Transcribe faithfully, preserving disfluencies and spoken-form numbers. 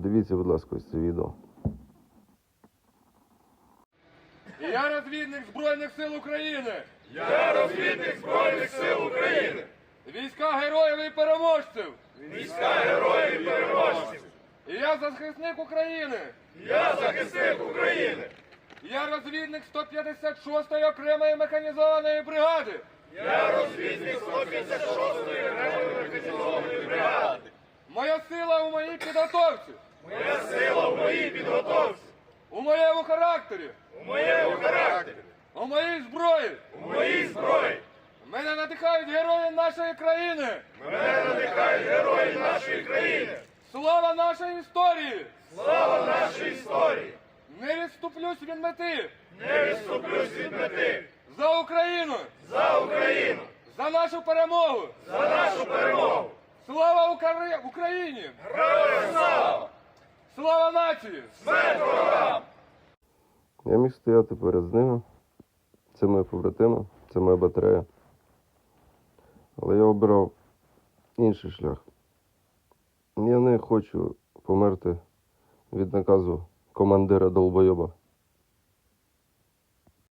Подивіться, будь ласка, ось це відео. Я розвідник Збройних сил України. Я розвідник Збройних сил України. Війська героїв і переможців. Війська героїв і переможців. І я захисник України. Я захисник України. Я розвідник сто п'ятдесят шостої окремої механізованої бригади. Я розвідник сто п'ятдесят шостої окремої механізованої бригади. Моя сила у моїй підготовці. Моя сила в моїй підготовці. У моєму характері. У моєму характері. У моїй зброї. У моїй зброї. Мене надихають герої нашої країни. Мене надихають герої нашої країни. Слава нашої історії. Слава нашій історії. Не відступлюсь від мети. Не відступлюсь від мети. За Україну. За Україну. За нашу перемогу. За нашу перемогу. Слава Укра- Україні. Героям слава. Слава нації. Смерть ворогам. Я міг стояти перед ними. Це мої побратими, це моя батарея. Але я обирав інший шлях. Я не хочу померти від наказу командира долбойоба.